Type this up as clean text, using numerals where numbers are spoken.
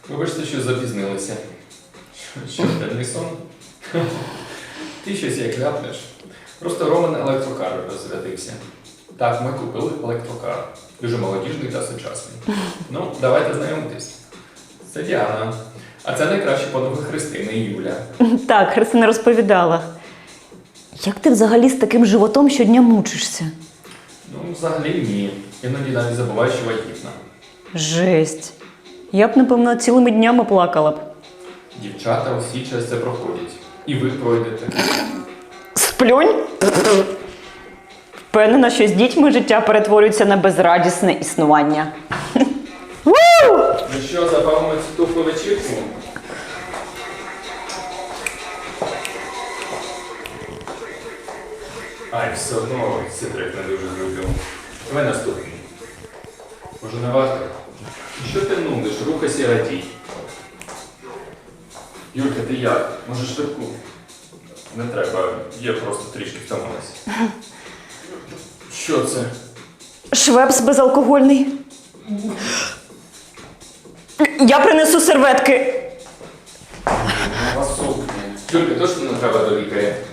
Вибачте, що запізнилися. Що, денний сон? Ти щось як ляпнеш. Просто Роман електрокар розрядився. Так, ми купили електрокар. Дуже молодіжний та сучасний. Ну, давайте знайомитись. Це Діана. А це найкращі подруги Христини і Юля. Так, Христина розповідала. Як ти взагалі з таким животом щодня мучишся? Ну, взагалі ні. Іноді навіть забуваю, що вагітна. Жесть. Я б, напевно, цілими днями плакала б. Дівчата усі через це проходять. І ви пройдете. Сплюнь? Впевнена, що з дітьми життя перетворюється на безрадісне існування. Ну що, забавимо цю тухлу вечірку? Ай, все одно ці трек не дуже люблю. Давай наступний. Може не варто? Що ти нудиш? Рухайся і радій. Юлька, ти як? Може швидку? Не треба, я просто трішки втомилась. Що це? Швепс безалкогольний. Я принесу серветки. Юлька, точно не треба до лікаря?